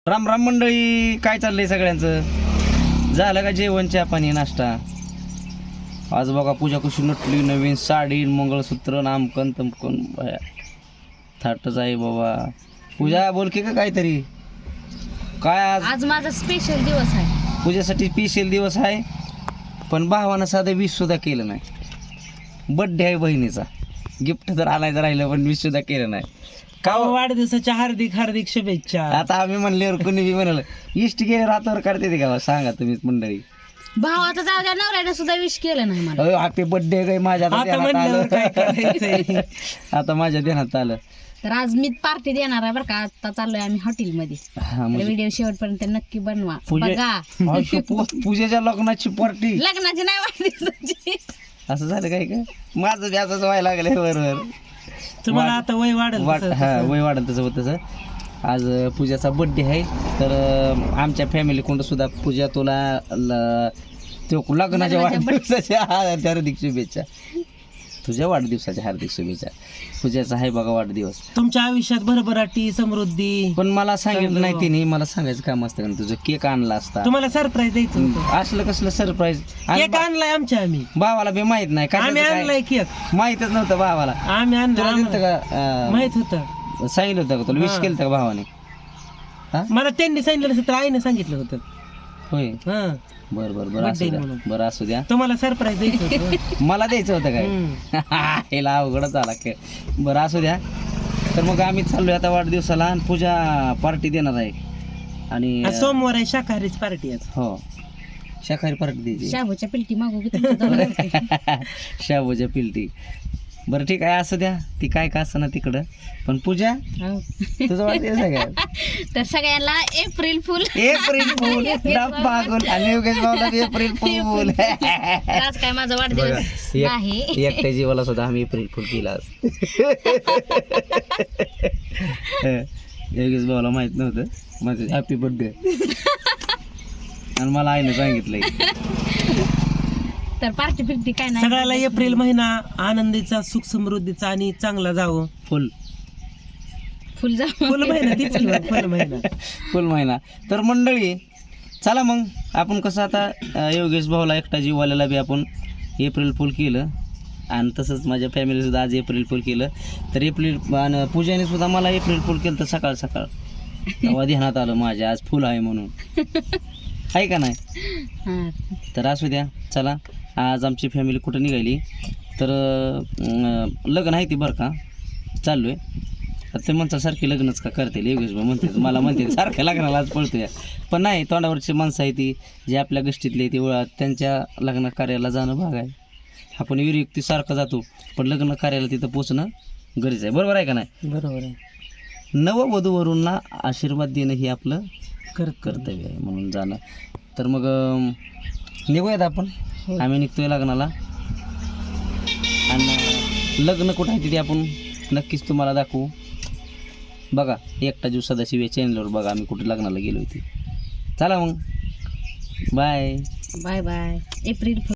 राम राम मंडळी, काय चाललंय सगळ्यांचं? झालं का जेवण, चहा पाणी, नाश्ता? आज बघा पूजा कशी नटली, नवीन साडी, मंगळसूत्र, नामकन तमकन, थाटच आहे बाबा. पूजा बोल की का काहीतरी. काय आज माझा स्पेशल दिवस आहे. पूजेसाठी स्पेशल दिवस आहे, पण भावानं साधं विश सुद्धा केलं नाही. बड्डे आहे बहिणीचा, गिफ्ट तर आणायचं राहिलं पण विश सुद्धा केलं नाही. का वाढदिवसाच्या हार्दिक हार्दिक शुभेच्छा. आता आम्ही म्हणल्यावर कोणी बी म्हणाल इष्ट गेले रातावर करते ते का? सांगा तुम्हीच मंडळी. भावाचा जाऊ द्या, नवऱ्याने सुद्धा विश केलं नाही मला. हॅपी बर्थडे काय माझ्या आता आता ध्यानात म्हणल्यावर काय आलं. करायचंय. आता माझ्या ध्यानात आलं. तर आज मी पार्टी देणार आहे बरं का. आता चाललोय आम्ही हॉटेलमध्ये. हा, म्हणजे व्हिडिओ शेवटपर्यंत नक्की बनवा बघा. पूजेच्या लग्नाची पार्टी लग्नाची नाही वाढदिवसाची. असं झालं काय का? माझं बी असंच व्हायला लागलंय बरोबर. तुम्हाला आता वय वाढेल हा, वय वाढत तसं होत तसं. आज पूजाचा बर्थडे आहे, तर आमच्या फॅमिली कोण सुद्धा पूजा तुला लग्नाच्या वाढदिवसाच्या हार्दिक शुभेच्छा. तुझ्या वाढदिवसाच्या हार्दिक शुभेच्छा. पूजाचा आहे बघा वाढदिवस. तुमच्या आयुष्यात भरभराटी समृद्धी. पण मला सांगितलं नाही तिने. मला सांगायचं काम असतं का तुझं केक आणला असता. तुम्हाला सरप्राईज द्यायचं होतं. असलं कसलं सरप्राईज. केक आणलाय आमच्या आम्ही भावाला बी माहित नाही आम्ही आणलाय केक. माहितच नव्हतं भावाला. आम्ही तुला दिलं आणलं का? माहित होतं. सांगितलं होतं का तुला? विश केलं का भावाने? मला त्यांनी सांगितलं नसतं तर आईने सांगितलं होतं. होय. हा बरं बरं बरं असू द्या. म्हणून. बरं असू द्या. तुम्हाला सरप्राईज द्यायचं होतं. मला द्यायचं होतं काय? हिला अवघडच आला काय. बरं असू द्या. तर मग आम्ही चाललोय आता वाढदिवसाला, आणि पूजा पार्टी देणार आहे. आणि आज सोमवार आहे, शाकाहारीच पार्टी आज. हो, शाकाहारी पार्टी द्यायची. शाबूच्या पिलटी मागू की तुमच्या दोघांना? शाबूच्या पिलटी. बरं ठीक आहे, असू द्या. ती काय का असं ना तिकडं. पण पूजा, हो. तुझं वाढदिवस आहे काय? तर सगळ्यांना एप्रिल फुल. एप्रिल फूल, डब्बा गुल, आणि योगेश भाऊला बी एप्रिल फूल. आज काय माझा वाढदिवस नाही. एकट्या जीवाला सुद्धा आम्ही एप्रिल फुल केला आज. योगेश भाऊला माहित नव्हतं माझं हॅपी बर्थडे, आणि मला आईने सांगितलंय. तर पार्टी फिरती काय नाही. सगळ्याला एप्रिल महिना आनंदीचा, सुख समृद्धीचा आणि चांगला जावं. फुल फुल जा. फुल महिना तीच की बघ, फुल महिना. फुल महिना. तर मंडळी चला मग आपण कसं आता योगेश भाऊला एकटा जीवाल्याला बी आपण एप्रिल फुल केलं, आणि तसंच माझ्या फॅमिली सुद्धा आज एप्रिल फुल केलं. तर एप्रिल, आणि पूजाने सुद्धा मला एप्रिल फुल केलं. तर सकाळ सकाळ तेव्हा ध्यानात आलं माझ्या आज फुल आहे म्हणून. आहे का नाही? हा. तर असू द्या. चला, आज आमची फॅमिली कुठं निघाली, तर लग्न आहे ती बरं का. चाललो आहे. ते म्हणतात सारखी लग्नच का करते योगेश भाऊ म्हणते. मला म्हणते सारख्या लग्नाला आज पळतोय. पण नाही, तोंडावरची माणसं आहे ती, जी आपल्या गोष्टीतली ती त्यांच्या लग्न कार्याला जाणं भाग आहे. आपण विरयुक्ती सारखं जातो, पण लग्न कार्याला तिथं पोचणं गरजेचं आहे. बरोबर आहे का नाही? बरोबर आहे. नववधूवरूंना आशीर्वाद देणं हे आपलं कर्तव्य आहे, म्हणून जाणं. तर मग निघूयात आपण. आम्ही निघतोय लग्नाला, आणि लग्न कुठं आहे तिथे आपण नक्कीच तुम्हाला दाखवू. बघा एकटा जीव सदाशिव या चॅनलवर बघा आम्ही कुठे लग्नाला गेलो होते. चला मग, बाय बाय बाय. एप्रिल फुल.